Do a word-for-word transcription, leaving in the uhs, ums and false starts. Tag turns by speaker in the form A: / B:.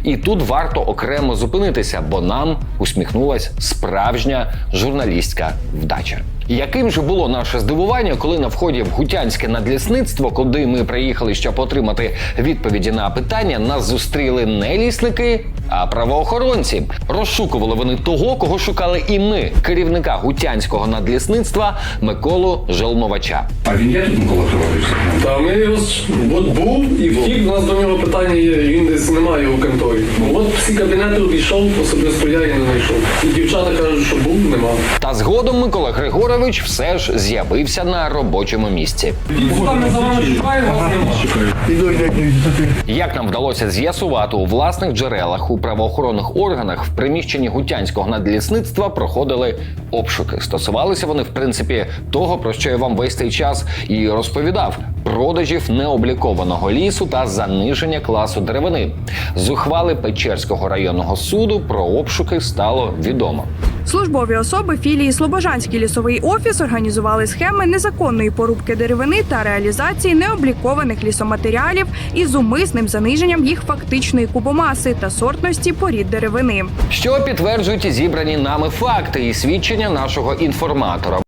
A: І тут варто окремо зупинитися, бо нам усміхнулась справжня журналістська вдача. Яким же було наше здивування, коли на вході в Гутянське надлісництво, куди ми приїхали, щоб отримати відповіді на питання, нас зустріли не лісники, а правоохоронці. Розшукували вони того, кого шукали і ми, керівника Гутянського надлісництва Миколу Желмовача.
B: А він є тут, Микола Григорович?
C: Та ми його ж от був і втік, у нас до нього питання є, він десь немає його в конторі. От всі кабінети обійшов, особисто я і не знайшов. І дівчата кажуть, що був, нема.
A: Та згодом Микола Григорович все ж з'явився на робочому місці.
C: Там ми за вами шукаємо, вас немає.
A: Як нам вдалося з'ясувати у власних джерелах, у правоохоронних органах в приміщенні Гутянського надлісництва проходили обшуки. Стосувалися вони, в принципі, того, про що я вам весь цей час і розповідав – продажів необлікованого лісу та заниження класу деревини. З ухвали Печерського районного суду про обшуки стало відомо.
D: Службові особи філії «Слобожанський лісовий офіс» організували схеми незаконної порубки деревини та реалізації необлікованих лісоматеріалів із умисним заниженням їх фактичної кубомаси та сортності порід деревини.
A: Що підтверджують зібрані нами факти і свідчення нашого інформатора.